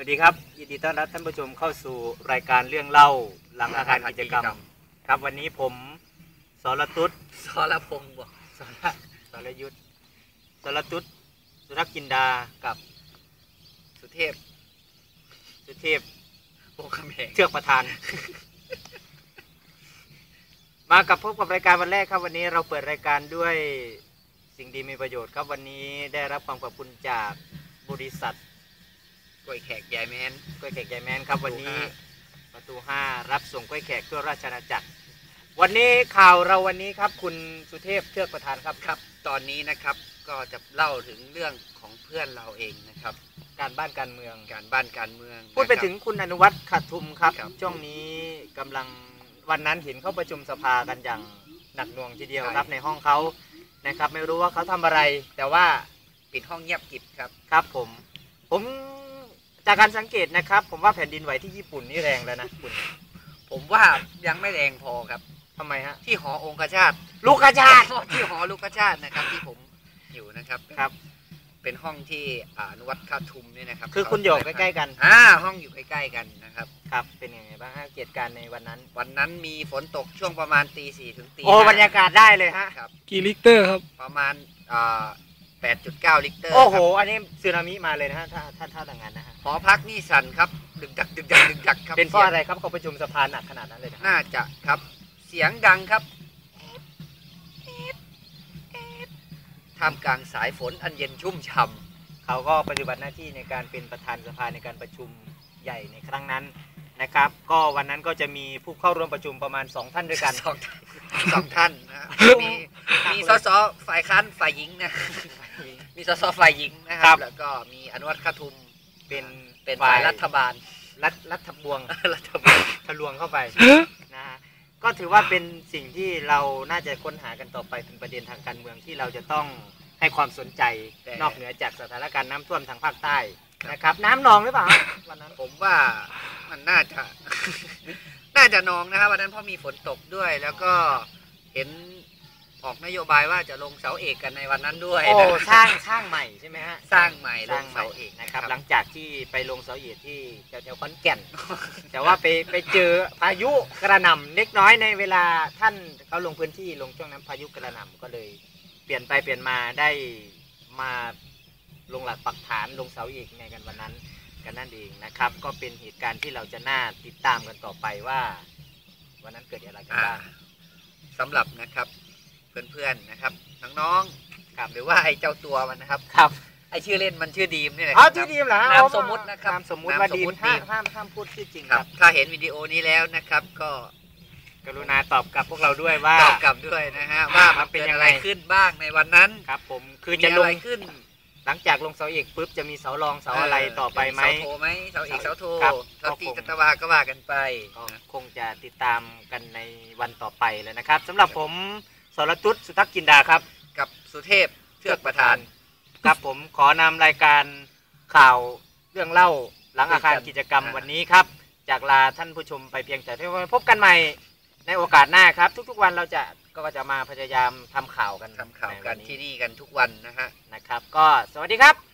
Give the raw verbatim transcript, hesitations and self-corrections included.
วัสดีครับยินดีต้อนรับท่านผู้ชมเข้าสู่รายการเรื่องเล่าหลังอาคารกิจกรรมครับวันนี้ผมสรตุ๊ดสรพงศ์บอกสรสรยุทธสรตุ๊ดสุรักจินดากับสุเทพสุเทพโอ้คำแหงเชือกประธาน มากับพบกับรายการวันแรกครับวันนี้เราเปิดรายการด้วยสิ่งดีมีประโยชน์ครับวันนี้ได้รับความขอบคุณจากบริษัทกล้วยแขกใหญ่แมนกล้วยแขกใหญ่แมนครับวันนี้ประตูห้ารับส่งกล้วยแขกทั่วราชอาณาจักรวันนี้ข่าวเราวันนี้ครับคุณสุเทพเชือกประธานครับครับตอนนี้นะครับก็จะเล่าถึงเรื่องของเพื่อนเราเองนะครับการบ้านการเมืองการบ้านการเมืองพูดไปถึงคุณอนุวัฒน์ขัดทุมครับช่วงนี้กำลังวันนั้นเห็นเขาประชุมสภากันอย่างหนักหน่วงทีเดียวครับในห้องเขานะครับไม่รู้ว่าเขาทำอะไรแต่ว่าปิดห้องเงียบกริบครับครับผมผมจากการสังเกตนะครับผมว่าแผ่นดินไหวที่ญี่ปุ่นนี่แรงแล้วนะคุณผมว่ายังไม่แรงพอครับทำไมฮะที่หอองคชาตลูกชาติที่หอลูกชาตินะครับที่ผมอยู่นะครับครับเป็นห้องที่อนุวัฒน์ขัดทุมนี่นะครับคือคุณอยู่ใกล้ๆกันอ่าห้องอยู่ใกล้ๆกันนะครับครับเป็นยังไงบ้างฮะเหตุการณ์ในวันนั้นวันนั้นมีฝนตกช่วงประมาณตีสี่ถึงตีโอ้บรรยากาศได้เลยฮะครับกี่ลิตรครับประมาณอ่าแปดจุดเก้า ลิตรโอ้โหอันนี้สึนามิมาเลยนะฮะถ้าถ้าถ้าต่างงานนะฮะหอพักนี่สั่นครับดึกดักดึกดักดึกดักครับเป็นเพราะอะไรครับเขาประชุมสภาหนักขนาดนั้นเลยน่าจะครับเสียงดังครับท่ามกลางสายฝนอันเย็นชุ่มฉ่ำเขาก็ปฏิบัติหน้าที่ในการเป็นประธานสภาในการประชุมใหญ่ในครั้งนั้นนะครับก็วันนั้นก็จะมีผู้เข้าร่วมประชุมประมาณสองท่านด้วยกันสองสองท่านนะมีมีสสฝ่ายค้านฝ่ายหญิงนะมีสสฝ่ายหญิงนะครับแล้วก็มีอนุวัฒน์ขัดทุมเป็นเป็นฝ่ายรัฐบาลรัฐรัฐบวงรัฐบาลทะลวงเข้าไปนะฮะก็ถือว่าเป็นสิ่งที่เราน่าจะค้นหากันต่อไปเป็นประเด็นทางการเมืองที่เราจะต้องให้ความสนใจนอกเหนือจากสถานการณ์น้ำท่วมทางภาคใต้นะครับน้ำนองหรือเปล่าวันนั้นผมว่ามันน่าจะน่าจะนองนะครับวันนั้นเพราะมีฝนตกด้วยแล้วก็เห็นออกนโยบายว่าจะลงเสาเอกกันในวันนั้นด้วยโอ้สร้างสร้างใหม่ใช่ไหมฮะสร้างใหม่ลงเสาเอกนะครับหลังจากที่ไปลงเสาเอกที่แถวๆขอนแก่นแต่ว่าไปไปเจอพายุกระหน่ำเล็กน้อยในเวลาท่านเขาลงพื้นที่ลงช่วงนั้นพายุกระหน่ำก็เลยเปลี่ยนไปเปลี่ยนมาได้มาลงหลักปักฐานลงเสาเอกในกันวันนั้นกันนั่นเองนะครับก็เป็นเหตุการณ์ที่เราจะน่าติดตามกันต่อไปว่าวันนั้นเกิดอะไรกันบ้างสำหรับนะครับเพื่อนๆนะครับน้องๆครับหรือว่าไอ้เจ้าตัวมันนะครับครับไอ้ชื่อเล่นมันชื่อดีมนี่แหละอ๋อชื่อดีมเหรอนามสมมุตินะครับนามสมมุติว่าดีมห้ามห้ามห้ามพูดชื่อจริงครับถ้าเห็นวิดีโอนี้แล้วนะครับก็กรุณาตอบกลับพวกเราด้วยว่าตอบกลับด้วยนะฮะว่ามันเป็นอย่างไรขึ้นบ้างในวันนั้นครับผมคือจะลงขึ้นหลังจากลงเสาเอกปุ๊บจะมีเสารองเสาอะไรต่อไปไหมเสาโทไหมเสาเอกเสาโทเสาตีจัตวาก็ว่ากันไปก็คงจะติดตามกันในวันต่อไปเลยนะครับสำหรับผมสรตุ๊ดสุทักษ์จินดาครับกับสุเทพเชือกประธานครับผมขอนำรายการข่าวเรื่องเล่าหลังอาคารกิจกรรมวันนี้ครับจากลาท่านผู้ชมไปเพียงแต่เท่านี้พบกันใหม่ในโอกาสหน้าครับทุกๆวันเราจะก็จะมาพยายามทำข่าวกันทำข่าวกันที่นี่กันทุกวันนะฮะนะครับก็สวัสดีครับ